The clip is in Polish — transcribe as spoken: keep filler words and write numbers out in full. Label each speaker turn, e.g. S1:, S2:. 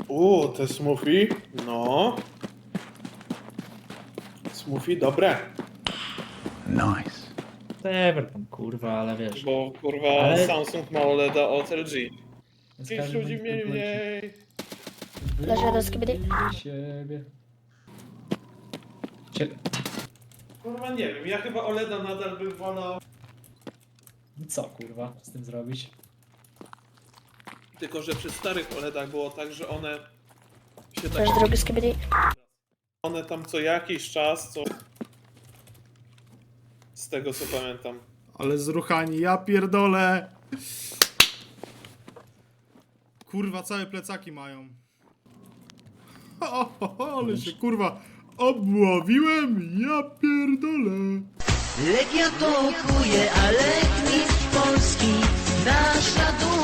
S1: Uuu, te smoothie, no. Smoothie dobre.
S2: Nice.
S3: Whatever tam, kurwa, ale wiesz.
S1: Bo kurwa
S3: Ale-
S1: Samsung ma OLEDa od L G.
S3: z
S1: Dziś
S3: każdym
S1: ludzi mniej
S3: bądź
S1: mniej.
S4: Leży do skibidi.
S3: wybili siebie. Cie-
S1: Kurwa nie wiem, ja chyba OLEDa nadal bym wolał.
S3: Co kurwa z tym zrobić?
S1: Tylko że przy starych OLEDach było tak, że one się tak...
S4: Leży drugi skibidi.
S1: One tam co jakiś czas, co... Z tego co pamiętam.
S5: Ale zruchani, ja pierdolę. Kurwa, całe plecaki mają. O, o, o, ale się kurwa obławiłem, ja pierdolę.
S6: Legia to okuje, ale mistrz Polski, nasza duma.